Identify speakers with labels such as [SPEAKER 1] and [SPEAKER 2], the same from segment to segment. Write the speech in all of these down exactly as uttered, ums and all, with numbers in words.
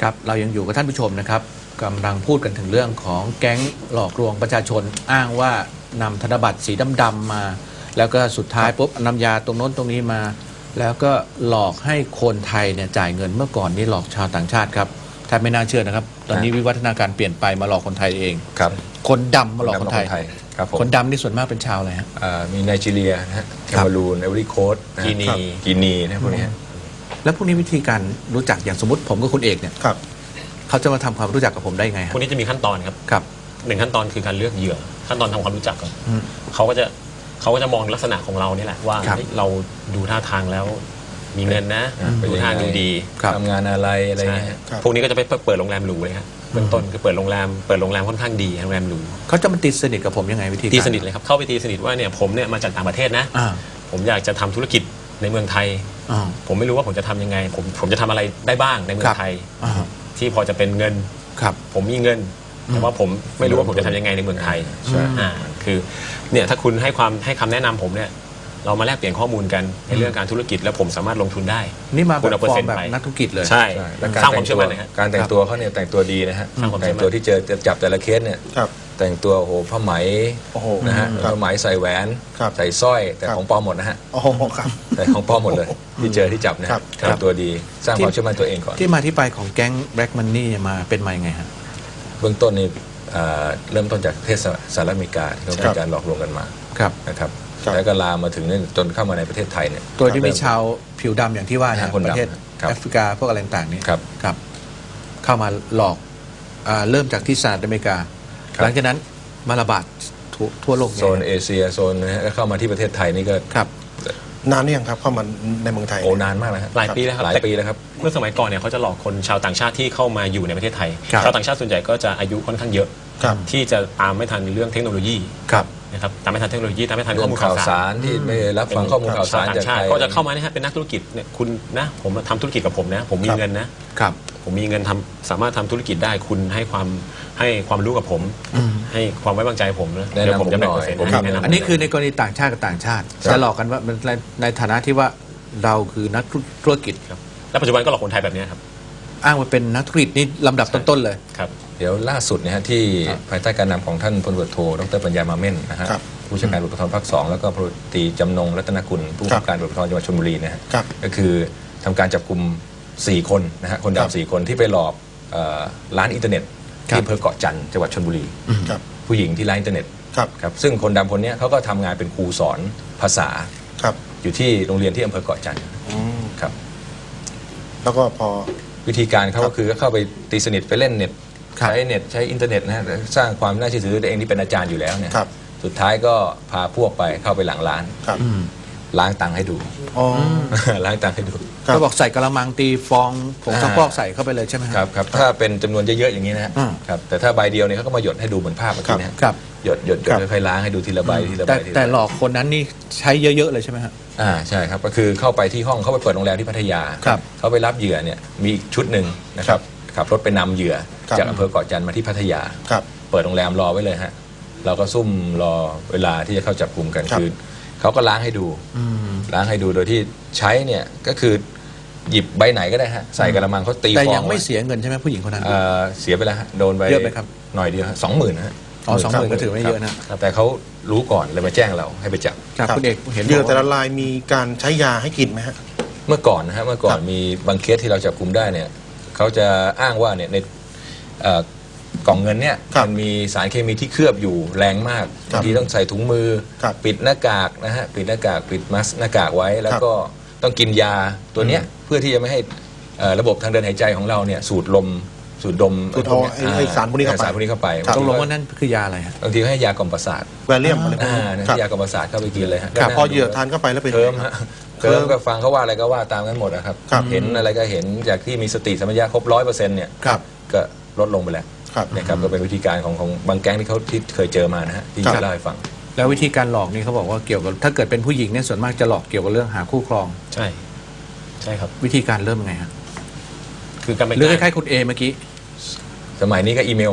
[SPEAKER 1] ครับเรายังอยู่กับท่านผู้ชมนะครับกำลังพูดกันถึงเรื่องของแก๊งหลอกลวงประชาชนอ้างว่านำธนบัตรสีดำๆมาแล้วก็สุดท้ายปุ๊บนำยาตรงโน้นตรงนี้มาแล้วก็หลอกให้คนไทยเนี่ยจ่ายเงินเมื่อก่อนนี่หลอกชาวต่างชาติครับถ้าไม่น่าเชื่อนะครับตอนนี้วิวัฒนาการเปลี่ยนไปมาหลอกคนไทยเอง
[SPEAKER 2] ครับ
[SPEAKER 1] คนดำมาหลอกคนไทย
[SPEAKER 2] ครับผม
[SPEAKER 1] คนดำนี่ส่วนมากเป็นชาวอะไรฮะ
[SPEAKER 2] มีไนจีเรียนะฮะแคมารูนไอวอรี่โคสต์
[SPEAKER 3] กีนี
[SPEAKER 2] กีนีนะพวกนี้
[SPEAKER 1] แล้วพวกนี้วิธีการรู้จักอย่างสมมติผมกับคุณเอกเนี่ย
[SPEAKER 3] ครับ
[SPEAKER 1] เขาจะมาทำความรู้จักกับผมได้ไง
[SPEAKER 3] พวกนี้จะมีขั้นตอนครับ
[SPEAKER 1] ครับ
[SPEAKER 3] หนึ่งขั้นตอนคือการเลือกเหยื่อขั้นตอนทำความรู้จักก่อนเขาก็จะเขาก็จะมองลักษณะของเรานี่แหละว่าเราดูท่าทางแล้วมีเงินนะดูท่าดูดี
[SPEAKER 2] ทำงานอะไรอะไรเงี้ย
[SPEAKER 3] พวกนี้ก็จะไปเปิดโรงแรมหรูเลยครับเบื้องต้นคือเปิดโรงแรมเปิดโรงแรมค่อนข้างดีโรงแรมหรู
[SPEAKER 1] เขาจะมาตีสนิทกับผมยังไงวิธี
[SPEAKER 3] ตีสนิทเลยครับเข้าไปตีสนิทว่าเนี่ยผมเนี่ยมาจากต่างประเทศนะผมอยากจะทำธุรกิจในเมืองไทยผมไม่รู้ว่าผมจะทำยังไงผมผมจะทำอะไรได้บ้างในเมืองไทยที่พอจะเป็นเงินผมมีเงินแต่ว่าผมไม่รู้ว่าผมจะทำยังไงในเมืองไทยอ่าคือเนี่ยถ้าคุณให้ความให้คำแนะนำผมเนี่ยเรามาแลกเปลี่ยนข้อมูลกันในเรื่องการธุรกิจแล้วผมสามารถลงทุนได้
[SPEAKER 1] นี่มาแบบฟอร์มแบบนักธุรกิจเลย
[SPEAKER 3] ใช่สร้างความเชื่อมั่นนะฮะ
[SPEAKER 2] การแต่งตัวเขาเนี่ยแต่งตัวดีนะฮะแต่งตัวที่เจอจะจับแต่ละเคสเนี่ยแต่งตัวโอ้โหผ้าไหมนะฮะผ้าไหมใส่แหวนใส่สร้อยแต่ของปลอมหมดนะฮะ
[SPEAKER 3] โอ้ครับ
[SPEAKER 2] แต่ของปลอมหมดเลยที่เจอที่จับนะครับแต่งตัวดีสร้างความเชื่อมั่นตัวเองก่อน
[SPEAKER 1] ที่มาที่ไปของแก๊งแบล็กมันนี่มาเป็นมายังไงฮะ
[SPEAKER 2] เบื้องต้นนี่เริ่มต้นจากประเทศสหรัฐอเมริกาที่เขามีการหลอกลวงกันมานะครับแล้วก็ลามมาถึงจนเข้ามาในประเทศไทยเนี่ย
[SPEAKER 1] โดยที่มีชาวผิวดำอย่างที่ว่าในประเทศแอฟริกาพวกอะไรต่างๆนี้ครับเข้ามาหลอกเริ่มจากที่สหรัฐอเมริกาหลังจากนั้นมาระบาดทั่วโลก
[SPEAKER 2] โซนเอเชียโซนนะฮะเข้ามาที่ประเทศไทยนี่ก็
[SPEAKER 1] ครับ
[SPEAKER 3] นานนี่ยังครับเข้ามาในเมืองไทย
[SPEAKER 2] โอ้นานมากแล้ว
[SPEAKER 3] หลายปีแล้วครับ
[SPEAKER 2] หลายปีแล้วครับ
[SPEAKER 3] เมื่อสมัยก่อนเนี่ยเขาจะหลอกคนชาวต่างชาติที่เข้ามาอยู่ในประเทศไทยชาวต่างชาติส่วนใหญ่ก็จะอายุค่อนข้างเยอะที่จะตามไม่ทันในเรื่องเทคโนโลยีนะครับตามไม่ทันเทคโนโลยีตามไม่ทันข้อมูลข่าวสาร
[SPEAKER 2] ที่ไม่รับฟังข้อมูลข่าวสารจากไทย
[SPEAKER 3] ก็จะเข้ามาเนี่ยฮะเป็นนักธุรกิจเนี่ยคุณนะผมทำธุรกิจกับผมนะผมมีเงินนะครับผมมีเงินทำสามารถทำธุรกิจได้คุณให้ความให้ความรู้กับผมให้ความไว้วางใจผมนะ
[SPEAKER 2] เดี๋ยวผมจะแบ่งเปอร์เซ็นต์
[SPEAKER 1] อันนี้คือในกรณีต่างชาติกับต่างชาติจะหลอกกันว่าในฐานะที่ว่าเราคือนักธุรกิจ
[SPEAKER 3] ครับและปัจจุบันก็หลอกคนไทยแบบนี้ครับ
[SPEAKER 1] อ้างว่าเป็นนักธุรกิจนี่ลำดับต้นๆเลย
[SPEAKER 3] ครับ
[SPEAKER 2] เดี๋ยวล่าสุดเนี่ยฮะที่ภายใต้การนำของท่านพลตำรวจโทดร.ปัญญามาเม่นนะฮะผู้ชัการตำรวจภูธรภาคสองแล้วก็พลตรีจำนงรัตนกุลผู้บังคับการตำรวจภูธรจังหวัดชลบุรีนะฮะก็คือทำการจับกลุ่มสี่คนนะฮะคนดำสี่คนที่ไปหลอกร้านอินเทอร์เน็ตที่อำเภอเกาะจันทร์จังหวัดชลบุรีผู้หญิงที่ร้านอินเทอร์เน็ตครับซึ่งคนดำคนนี้เขาก็ทำงานเป็นครูสอนภาษาอยู่ที่โรงเรียนที่อำเภอเกาะจันทร์ครับ
[SPEAKER 3] แล้วก็พอ
[SPEAKER 2] วิธีการเขาก็คือเข้าไปตีสนิทไปเล่นเน็ตใช้เน็ตใช้อินเทอร์เน็ตนะฮะสร้างความน่าเชื่อถือตัวเองที่เป็นอาจารย์อยู่แล้วเนี่ยสุดท้ายก็พาพวกไปเข้าไปหลังร้านล้างตังค์ให้ดูล้างตังค์ให้ดู
[SPEAKER 1] เขาบอกใส่กระมังตีฟองผงซักฟอกใส่เข้าไปเลยใช่ไหม
[SPEAKER 2] ครับครับถ้าเป็นจำนวนเยอะๆอย่างนี้นะครับแต่ถ้าใบเดียวเนี่ยเขาก็มาหยดให้ดูเหมือนภาพเมื่อกี้นะครับหยดหยดหยดค่อยๆล้างให้ดูทีละใบทีละใบ
[SPEAKER 1] แต่หลอกคนนั้นนี่ใช้เยอะๆเลยใช่ไหมครับ
[SPEAKER 2] อ่าใช่ครับก็คือเข้าไปที่ห้องเขาไปเปิดโรงแรมที่พัทยาเขาไปรับเหยื่อเนี่ยมีอีกชุดหนึ่งนะครับขับรถไปนำเหยื่อจากอำเภอเกาะจันทร์มาที่พัทยาเปิดโรงแรมรอไว้เลยฮะเราก็ซุ่มรอเวลาที่จะเข้าจับกลุ่มกันคือเขาก็ล้างให้ดูล้างให้ดูโดยที่ใช้เนี่ยก็คือหยิบใบไหนก็ได้ฮะใส่กระมังเขาตีฟอง
[SPEAKER 1] แต่ยังไม่เสียเงินใช่ไหมผู้หญิงคนนั้น
[SPEAKER 2] เสียไปแล้วฮะโดนไป
[SPEAKER 1] เยอะไหมครับ
[SPEAKER 2] หน่อยเดียวสองหมื่นฮะ
[SPEAKER 1] อ๋อสองหมื่นก็ถือไม่เยอะนะ
[SPEAKER 2] แต่เขารู้ก่อนเลยมาแจ้งเราให้ไปจับ
[SPEAKER 1] คุณเอก
[SPEAKER 3] เห็นเหยื่อแต่ละรายมีการใช้ยาให้กินไหมฮะ
[SPEAKER 2] เมื่อก่อนนะฮะเมื่อก่อนมีบางเคสที่เราจับกลุ่มได้เนี่ยเขาจะอ้างว่าเนี่ยในกล่องเงินเนี่ยมันมีสารเคมีที่เคลือบอยู่แรงมากบางทีต้องใส่ถุงมือปิดหน้ากากนะฮะปิดหน้ากากปิดมัสหน้ากากไว้แล้วก็ต้องกินยาตัวเนี้ยเพื่อที่จะไม่ให้ระบบทางเดินหายใจของเราเนี่ยสูดลมสูดดม
[SPEAKER 3] สูดเอาไอ้สารพวกนี้เข้าไป
[SPEAKER 2] สารพวกนี้เข้าไป
[SPEAKER 1] ต้องลงว่านั่นคือยาอะไรฮะ
[SPEAKER 2] บางทีให้ยากล่อมประสาท
[SPEAKER 3] แวลเลียมอะไรพวก
[SPEAKER 2] นี้ยากล่อมประสาทเข้าไปกินเลยฮะ
[SPEAKER 3] พอเหยื่อทานเข้าไปแล้วเป็น
[SPEAKER 2] เคิร์มฮะเคิร์มก็ฟังเขาว่าอะไรก็ว่าตามกันหมดนะครับเห็นอะไรก็เห็นจากที่มีสติสัมปชัญญะครบร้อยเปอร์เซ็นต์เนี่ยก็ลดลงไปแล้วนะครับก็เป็นวิธีการของของบางแก๊งที่เขาที่เคยเจอมานะฮะที่จะเล่าให้ฟัง
[SPEAKER 1] แล้ววิธีการหลอกนี่เขาบอกว่าเกี่ยวกับถ้าเกิดเป็นผู้หญิงเนี่ยส่วนมากจะหลอกเกี่ยวกับเรื่องหาคู่ครอง
[SPEAKER 3] ใช่ใช่ครับ
[SPEAKER 1] วิธีการเริ่มไงฮะ
[SPEAKER 3] คือการ
[SPEAKER 1] หรือคล้ายๆคุณเอเมื่อกี้
[SPEAKER 2] สมัยนี้ก็อีเมลฮะ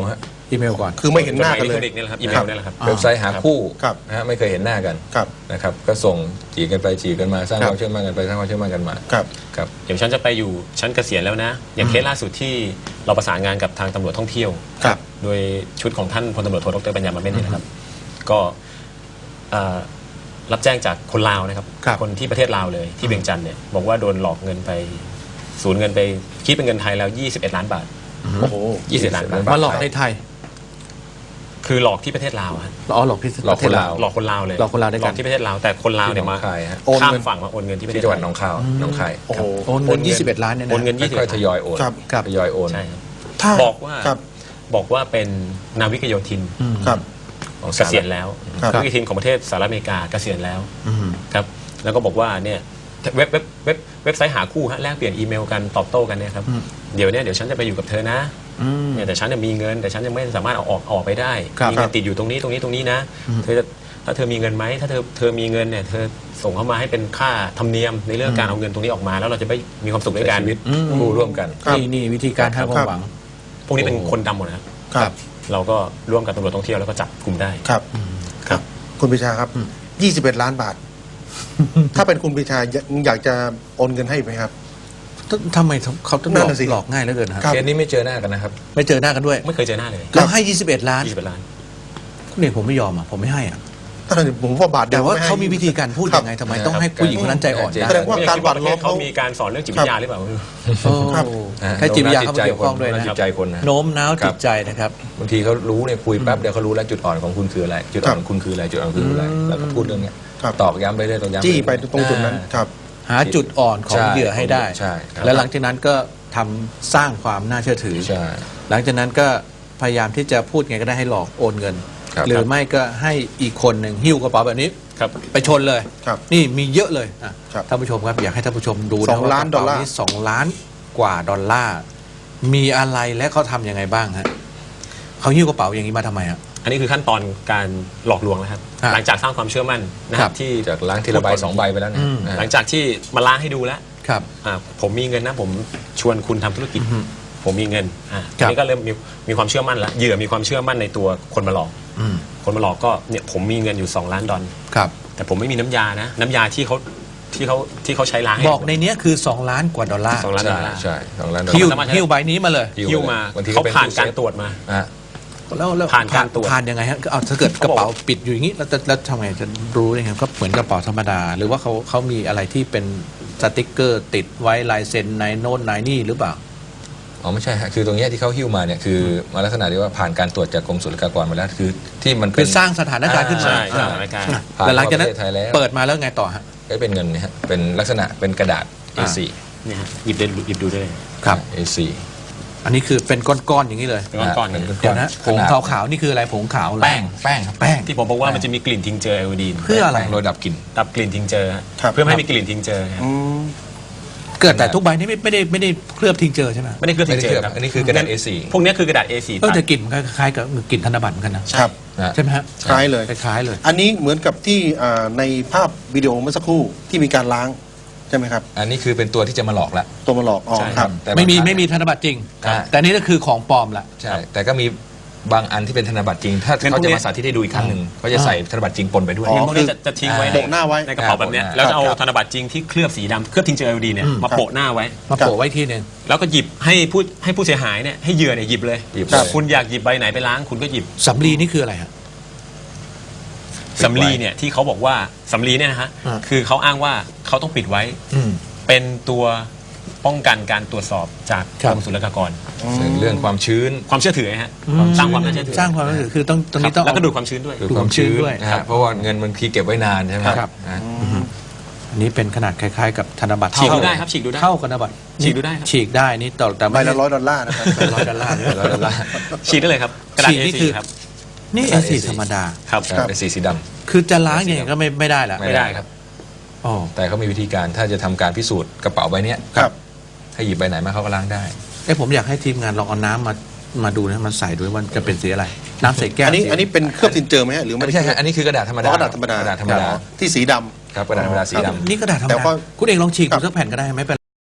[SPEAKER 1] อีเมลก่อน
[SPEAKER 4] คือไม่เห็นหน้ากัน
[SPEAKER 3] อิ
[SPEAKER 4] เล
[SPEAKER 3] เล็กทร
[SPEAKER 4] ย
[SPEAKER 3] อนิกส์นี่แหละครับอีเมลนี่แหละครับ
[SPEAKER 2] เว็บไซต์หาคู่
[SPEAKER 4] ครับ
[SPEAKER 2] นะฮะไม่เคยเห็นหน้ากัน
[SPEAKER 4] ครับ
[SPEAKER 2] นะครับก็ส่งจีบกันไปจีบกันมาสร้าง
[SPEAKER 4] ครับ
[SPEAKER 2] ความเชื่อมั่นกันไปสร้างความเชื่อมั่นกันมา
[SPEAKER 4] ครับ
[SPEAKER 2] ครับ
[SPEAKER 3] อย่างฉันจะไปอยู่ฉันเกษียณแล้วนะ อย่างเคสล่าสุดที่เราประสานงานกับทางตำรวจท่องเที่ยว
[SPEAKER 4] ครับ
[SPEAKER 3] โดยชุดของท่านพลตำรวจโทดรปัญญามาเม่นเนี่ยนะครับ ก็เอ่อรับแจ้งจากคนลาวนะครับ
[SPEAKER 1] ครับ
[SPEAKER 3] คนที่ประเทศลาวเลยที่เวียงจันทร์เนี่ยบอกว่าโดนหลอกเงินไปสูญเงินไปคิดเป็นเงินไทยแล้วยี่สิบเอ็ดล้านบาท
[SPEAKER 4] โอ้โห
[SPEAKER 3] ยี่สิบล้านบาท
[SPEAKER 1] มาหลอกในไทย
[SPEAKER 3] คือหลอกที่ประเทศลาวครับ
[SPEAKER 1] อ๋อหลอกที่
[SPEAKER 2] หลอกคนลาว
[SPEAKER 3] หลอกคนลาวเลย
[SPEAKER 1] หลอกคนลาวด้วยกัน
[SPEAKER 3] หลอกที่ประเทศลาวแต่คนลาวเนี่ยมา
[SPEAKER 2] ที่หนองคายฮะ
[SPEAKER 4] โอน
[SPEAKER 3] ข้าม
[SPEAKER 4] เงิน
[SPEAKER 3] ฝั่งมาโอนเงินที่ประเท
[SPEAKER 2] ที่
[SPEAKER 3] ศ
[SPEAKER 2] จังหวัด
[SPEAKER 3] ไทย
[SPEAKER 2] หนองคายหนองคาย
[SPEAKER 4] โอ้โห
[SPEAKER 1] โอนเงินยี่สิบเอ็ดล้านเนี่ยนะ
[SPEAKER 3] โอนเงิน
[SPEAKER 2] ค่อยๆทยอยโอน
[SPEAKER 4] ครับ
[SPEAKER 1] ครับ
[SPEAKER 2] ทยอยโอน
[SPEAKER 3] ใช่ครับ
[SPEAKER 4] ถ้า
[SPEAKER 3] บอกว่า
[SPEAKER 4] ครับ
[SPEAKER 3] บอกว่าเป็นนาวิกโยธิน
[SPEAKER 1] อืม
[SPEAKER 4] ครับ
[SPEAKER 3] ของเกษียณแล้ว
[SPEAKER 4] ครับ
[SPEAKER 3] นาวิกโยธินของประเทศสหรัฐอเมริกาเกษียณแล้ว
[SPEAKER 1] อืม
[SPEAKER 3] ครับแล้วก็บอกว่าเนี่ยเว็บเว็บเว็บเว็บไซต์หาคู่ฮะแลกเปลี่ยนอีเมลกันตอบโต้กันเนี่ยครับ
[SPEAKER 1] อืม
[SPEAKER 3] เดี๋ยวเนี่ยเดี๋ยวฉันจะไปอยู่กับเธอนะ
[SPEAKER 1] อืม
[SPEAKER 3] เนี่ยแต่ฉันเนี่ยมีเงินแต่ฉันยังไม่สามารถเอาออกออกไปได้
[SPEAKER 1] ครับ
[SPEAKER 3] มีเงินติดอยู่ตรงนี้ตรงนี้ตรงนี้นะ
[SPEAKER 1] อืม
[SPEAKER 3] เธอจะถ้าเธอมีเงินไหมถ้าเธอเธอมีเงินเนี่ยเธอส่งเข้ามาให้เป็นค่าธรรมเนียมในเรื่องการเอาเงินตรงนี้ออกมา แล้วเราจะไปมีความสุขด้วยกัน
[SPEAKER 2] ชีวิต
[SPEAKER 1] อืม
[SPEAKER 2] คู่ร่วมกัน
[SPEAKER 4] ครับ
[SPEAKER 1] นี่นี่วิธีการให้ความหวัง
[SPEAKER 3] พวกนี้เป็น
[SPEAKER 2] โอ้
[SPEAKER 3] คนดำหมดนะครับ
[SPEAKER 4] ครับ
[SPEAKER 3] เราก็ร่วมกับตำรวจท่องเที่ยวแล้วก็จับกลุ่มได้
[SPEAKER 4] ครับ
[SPEAKER 3] ครับ
[SPEAKER 4] คุณปรีชาครับ
[SPEAKER 1] อืม
[SPEAKER 4] ยี่สิบเอ็ดล้านบาท ถ้าเป็นคุณปรีชาอยากอยากจะโอนเงินให้ไหมครับ
[SPEAKER 1] ทำไมเขาต้องหล
[SPEAKER 4] นั่
[SPEAKER 1] อก
[SPEAKER 4] นน่ะสิ
[SPEAKER 1] หลอกง่ายเหลือเกินครับ
[SPEAKER 4] ครับ
[SPEAKER 2] เคสนี้ไม่เจอหน้ากันนะครับ
[SPEAKER 1] ไม่เจอหน้ากันด้วย
[SPEAKER 3] ไม่เคยเจอหน้าเลย
[SPEAKER 1] เราให้ยี่สิบเอ็ดล้าน
[SPEAKER 3] ยี่สิบล้าน
[SPEAKER 1] คุณเอกผมไม่ยอมอ่ะผมไม่ให้อ่ะ
[SPEAKER 4] ถ้าผมว่าบาทเดี
[SPEAKER 1] แต่
[SPEAKER 4] ยว
[SPEAKER 1] ว่า
[SPEAKER 4] ไให้
[SPEAKER 1] เขามีวิธีการพูดยังไงทำไมต้องให้ผู้หญิงคนนั้นใจอ่อน
[SPEAKER 2] ครับ
[SPEAKER 1] ได้
[SPEAKER 4] แสดงว่าการหวานล้อม
[SPEAKER 3] เขา
[SPEAKER 4] เขา
[SPEAKER 3] มีการสอนเรื่องจิตวิทยาหรือเปล่า
[SPEAKER 1] โอ้
[SPEAKER 4] ครับ
[SPEAKER 1] ใช้จิตวิทยาเข้ามา
[SPEAKER 2] ใจ
[SPEAKER 1] เกี่ยว
[SPEAKER 2] ค
[SPEAKER 1] ข้อง
[SPEAKER 2] น
[SPEAKER 1] ด้วย
[SPEAKER 2] โน้ม
[SPEAKER 1] นะ
[SPEAKER 2] จิตใจคนนะ
[SPEAKER 1] โน้มน้าวจิตใจนะครับ
[SPEAKER 2] บางทีเขารู้เนี่ยคุยแป๊บเดียวเขารู้แล้วจุดอ่อนของคุณคืออะไร จุดอ่อนของคุณคืออะไรจุดอ่อนของคุณคืออะไร
[SPEAKER 1] อืม
[SPEAKER 2] แล้วก็พูดเรื่องเนี้ย
[SPEAKER 4] ครับ
[SPEAKER 2] ตอกย้ำไปเรื่อยตอกย้ำ
[SPEAKER 4] จี้ไป
[SPEAKER 2] เรื่อย
[SPEAKER 4] ตรงจุดนั้น
[SPEAKER 2] อ่า
[SPEAKER 4] ครับ
[SPEAKER 1] หาจุดอ่อนของ
[SPEAKER 2] ใช่
[SPEAKER 1] เหยื่อให้ได้
[SPEAKER 2] ใช่ครับ
[SPEAKER 1] และหลังจากนั้นก็ทำสร้างความน่าเชื่อถือ
[SPEAKER 2] ใช่
[SPEAKER 1] หลังจากนั้นก็พยายามที่จะพูดไงก็ได้ให้หลอกโอนเงิน
[SPEAKER 2] ครับ
[SPEAKER 1] หรือไม่ก็ให้อีกคนหนึ่งหิ้วกระเป๋าแบบนี้
[SPEAKER 3] ครับ
[SPEAKER 1] ไปชนเลย
[SPEAKER 4] ครับ
[SPEAKER 1] นี่มีเยอะเลยอ่ะ
[SPEAKER 4] ครับ
[SPEAKER 1] ท่านผู้ชมครับอยากให้ท่านผู้ชมดู
[SPEAKER 4] ส
[SPEAKER 1] นะ
[SPEAKER 4] อง
[SPEAKER 1] ว่า
[SPEAKER 4] ล้าน
[SPEAKER 1] กระเป๋
[SPEAKER 4] ดอลลาร์
[SPEAKER 1] สองล้านกว่าดอลลาร์มีอะไรและเขาทำยังไงบ้างฮะเขาหิ้วกระเป๋าอย่างนี้มาทำไมฮะ
[SPEAKER 3] อันนี้คือขั้นตอนการหลอกลวงนะครับ
[SPEAKER 1] ครับ
[SPEAKER 3] หลังจากสร้างความเชื่อมั่นนะค
[SPEAKER 1] ครั
[SPEAKER 3] รับบ ที่
[SPEAKER 2] จากล้างทีละใบสองใบไปแล้วนะ
[SPEAKER 1] อืม
[SPEAKER 2] อ่า
[SPEAKER 3] หลังจากที่มาล้างให้ดูแล้ว
[SPEAKER 1] ครับ
[SPEAKER 3] อ่าผมมีเงินนะผมชวนคุณทำธุรกิจ
[SPEAKER 1] อืม
[SPEAKER 3] ผมมีเงินอ่า
[SPEAKER 1] ครั
[SPEAKER 3] ที
[SPEAKER 1] บ
[SPEAKER 3] นี้ก็เริ่มมีมีความเชื่อมั่นแล้วเหยื่อมีความเชื่อมั่นในตัวคนมาหลอก
[SPEAKER 1] อืม
[SPEAKER 3] คนมาหลอกก็เนี่ยผมมีเงินอยู่สองล้านดอล
[SPEAKER 1] ครับ
[SPEAKER 3] แต่ผมไม่มีน้ำยานะ น้ำยาที่เขาที่เขาที่เขาใช้ล้างให้
[SPEAKER 1] บอกในเนี้ยคือสองล้านกว่าดอลลาร์
[SPEAKER 3] สองล้านดอ
[SPEAKER 2] ใช่
[SPEAKER 3] ลลาร์
[SPEAKER 2] ใช่สองล้านดอล
[SPEAKER 1] หิ้ว
[SPEAKER 2] ลาร์
[SPEAKER 1] หิ้วใบนี้มาเลย
[SPEAKER 3] หิ้วมา
[SPEAKER 2] บางทีก็
[SPEAKER 3] เขา
[SPEAKER 2] เป็น
[SPEAKER 3] ผ่าน
[SPEAKER 2] ตู้เซฟ
[SPEAKER 3] การตรวจมา
[SPEAKER 2] อ่ะ
[SPEAKER 1] แล้วแล้ว
[SPEAKER 3] ผ่านการตรวจ
[SPEAKER 1] ผ่านยังไงฮะเอาถ้าเกิดกระเป๋าปิดอยู่อย่างนี้แล้วจะแล้วทำไงจะรู้ได้ไงก็เหมือนกระเป๋าธรรมดา หรือว่าเขาเขามีอะไรที่เป็นสติกเกอร์ติดไว้ลายเซ็นในโน้นในนี่หรือเปล่า
[SPEAKER 2] อ๋อไม่ใช่ฮะคือตรงเนี้ยที่เขาหิ้วมาเนี่ยคือมาลักษณะที่ว่าผ่านการตรวจจากกรมศุลกากรมาแล้วคือที่มัน
[SPEAKER 1] คื
[SPEAKER 2] เป็
[SPEAKER 1] อน สร้างสถานการณ์ขึ้นมา
[SPEAKER 3] ใช่
[SPEAKER 1] อ่า
[SPEAKER 3] สถานการณ์
[SPEAKER 2] ผ่าน
[SPEAKER 1] แต่หลังจากนั้น
[SPEAKER 2] ประเทศไทยแล้ว
[SPEAKER 1] เปิดมาแล้วไงต่อฮะ
[SPEAKER 2] ก็เป็นเงินเนี่ยฮะเป็นลักษณะเป็นกระดาษ เอ โฟร์
[SPEAKER 3] เนี่ยฮะหยิบได้หยิบดูได้เลย
[SPEAKER 1] ครับ
[SPEAKER 2] เอ โฟร์
[SPEAKER 1] อันนี้คือเป็นก้อนๆอย่างนี้เลย
[SPEAKER 3] เป็นก้อนๆ
[SPEAKER 2] เป็น
[SPEAKER 3] เนี่ย
[SPEAKER 2] ก้อน
[SPEAKER 1] เดี๋ยวนะผ
[SPEAKER 2] ข
[SPEAKER 1] ง
[SPEAKER 2] นาด
[SPEAKER 1] ขาวๆนี่คืออะไรผงขาวเหรอ
[SPEAKER 3] แป้ง
[SPEAKER 2] แป้งครับ
[SPEAKER 1] แป้ง
[SPEAKER 3] ที่ผมบอกว่ามันจะมีกลิ่นทิงเจอร์ไอโอดีน
[SPEAKER 1] เพื่ออะไร
[SPEAKER 2] โดยดับกลิ่น
[SPEAKER 3] ดับกลิ่นทิงเจอร์ฮะ
[SPEAKER 4] ครับ
[SPEAKER 3] เพื่อไม่ให้มีกลิ่นทิงเจอร์ครับ
[SPEAKER 4] อืม
[SPEAKER 1] เกิดแต่ทุกใบนี่ไม่ไม่ได้ไม่ได้เคลือบทิ้งเจอใช่ไหม
[SPEAKER 3] ไม่ได้เคลือบ
[SPEAKER 2] ไม่
[SPEAKER 3] ทิง
[SPEAKER 2] ได้
[SPEAKER 3] เจอ
[SPEAKER 2] เคลือบ
[SPEAKER 3] ร์ครับ
[SPEAKER 2] อันนี้คือกระดาษ เอ โฟร์
[SPEAKER 3] พวกเนี้ยคือกระดาษ เอ โฟร์
[SPEAKER 1] เออแต่กลิ่นมันคล้ายๆกับกลิ่นธนบัตรเหมือนกันนะครับ
[SPEAKER 2] นะ
[SPEAKER 1] ใช่ไหมฮะ
[SPEAKER 4] คล้ายเลย
[SPEAKER 1] คล้ายๆเลย
[SPEAKER 4] อันนี้เหมือนกับที่อ่าในภาพวิดีโอเมื่อสักครู่ที่มีการล้างใช่ไหมครับ
[SPEAKER 2] อันนี้คือเป็นตัวที่จะมาหลอกละ
[SPEAKER 4] ตัวมาหลอกอ๋อ
[SPEAKER 3] ใช่
[SPEAKER 4] ครับ
[SPEAKER 2] แต่
[SPEAKER 1] ไม่มี
[SPEAKER 2] บางครั้ง
[SPEAKER 1] ไม่มีธนบัตรจริง
[SPEAKER 2] อ่า
[SPEAKER 1] แต่นี่ก็คือของปลอมละ
[SPEAKER 2] ใช่แต่ก็มีบางอันที่เป็นธนบัตรจริง ถ้า
[SPEAKER 3] งั้น
[SPEAKER 2] เขา
[SPEAKER 3] พวก
[SPEAKER 2] จะ
[SPEAKER 3] นี้
[SPEAKER 2] มาสาธิตให้ดูอีกครั้งหนึ่งเขาจะใส่ธนบัตรจริงปนไปด้วย
[SPEAKER 4] อ๋อ
[SPEAKER 3] พวกนี้จะจะทิ้งไว้
[SPEAKER 4] โปะหน้าไว้
[SPEAKER 3] ในกระเป๋าแบบเนี้ย
[SPEAKER 2] ครับ
[SPEAKER 3] แล้วจะเอา
[SPEAKER 4] ครับ
[SPEAKER 3] ธนบัตรจริงที่เคลือบสีดำเคลือบทิงเจอร์ไอโอดีนเนี่ย
[SPEAKER 1] อืม
[SPEAKER 3] มาโปะหน้าไว้
[SPEAKER 1] มาโปะไว้ทีหนึ่ง
[SPEAKER 3] แล้วก็หยิบให้ผู้ให้ผู้เสียหายเนี่ยให้เหยื่อเนี่ยหยิบเลย
[SPEAKER 2] หยิบ
[SPEAKER 4] ครับ
[SPEAKER 2] เลย
[SPEAKER 3] คุณอยากหยิบใบไหนไปล้างคุณก็หยิบ
[SPEAKER 1] สำลีนี่คืออะไรฮะ
[SPEAKER 3] สำลีเนี่ยที่เขาบอกว่าสำลีเนี่ยนะฮะ
[SPEAKER 1] อ่า
[SPEAKER 3] คือเขาอ้างว่าเขาต้องปิดไว้
[SPEAKER 1] อืม
[SPEAKER 3] เป็นตัวป้องกันการตรวจสอบจาก
[SPEAKER 1] ครั
[SPEAKER 3] ก
[SPEAKER 1] บ
[SPEAKER 3] รมศุลกากร
[SPEAKER 2] เรื่องความชื้น
[SPEAKER 3] ความเชื่อถือฮะสร้างความน่าเชื่อถือ
[SPEAKER 1] สร้างความน่าเชื่อถือคือต้องตรงนี้ต้อง
[SPEAKER 3] แล้วก็ดูดความชื้นด้วย
[SPEAKER 2] หรือความชื้น
[SPEAKER 1] ดูดความชื้นด้วย
[SPEAKER 2] นะ
[SPEAKER 1] ครั
[SPEAKER 2] ฮะ
[SPEAKER 1] บ
[SPEAKER 2] เพราะว่าเงินบางทีเก็บไว้นานใช่ไหม
[SPEAKER 1] ครับ
[SPEAKER 2] นะ
[SPEAKER 1] อันนี้เป็นขนาดคล้ายๆกับธนบัตร
[SPEAKER 3] ฉีกดู
[SPEAKER 1] เท่า
[SPEAKER 3] ได้ครับฉีกดูได้
[SPEAKER 1] เท่ากับธนบัตร
[SPEAKER 3] ฉีกดูได้ครับ
[SPEAKER 1] ฉีกได้นี่ต่อแต่
[SPEAKER 4] ใบ
[SPEAKER 1] ไม่
[SPEAKER 4] ละร้อยดอลลาร์นะครับ
[SPEAKER 1] ร้อยดอลลาร์เนี่ย
[SPEAKER 2] แล้วแล้วแล้ว
[SPEAKER 3] ฉีกได้เลยครับกระดาษ
[SPEAKER 1] ฉีกนี่
[SPEAKER 3] เอ
[SPEAKER 1] คื
[SPEAKER 3] สี่
[SPEAKER 1] อ
[SPEAKER 3] ครับ
[SPEAKER 1] นี่
[SPEAKER 2] ก
[SPEAKER 1] เอ
[SPEAKER 2] ระดาษ
[SPEAKER 1] สี
[SPEAKER 2] เอสี่
[SPEAKER 1] ธรรมดา
[SPEAKER 3] ครับ
[SPEAKER 4] ครับ
[SPEAKER 2] เป็นสีสีด
[SPEAKER 1] คือจะล้างอย่างนี้ก็ไม่ไม่ได้ละ
[SPEAKER 2] ำ
[SPEAKER 3] ไม่ได้ครับ
[SPEAKER 1] โอ้
[SPEAKER 2] แต่เขามีวิธีการถ้าจะทำการพิสูจน์กระเป๋าใบเนี้ย
[SPEAKER 4] ครับ
[SPEAKER 2] ให้หยิบใบไหนมาเขาก็ล้างได้
[SPEAKER 1] เอ้ผมอยากให้ทีมงานลองเอาน้ำมามาดูนะมันใส่ด้วยว่าจะเป็นสีอะไร น้ำใส่แก้ว
[SPEAKER 4] อันนี้
[SPEAKER 1] สี
[SPEAKER 4] อันนี้เป็นเคลือบทินเจอร์ไหมฮะหรือไม่
[SPEAKER 2] ไม่
[SPEAKER 4] ได้
[SPEAKER 2] ใช่ครับอันนี้คือกระดาษธรรม
[SPEAKER 4] อ๋
[SPEAKER 2] ดา
[SPEAKER 4] อกระดาษธรรมดาก
[SPEAKER 2] ระดาษธรรมดา
[SPEAKER 4] อ๋อที่สีดำ
[SPEAKER 2] ครับกระดาษธรรมดาสีดำ
[SPEAKER 1] นี่กระดาษธรรม
[SPEAKER 4] แต่
[SPEAKER 1] ดา
[SPEAKER 4] ก็
[SPEAKER 1] คุณเองลองฉีกดูสักแผ่นก็ได้ไม่เป็น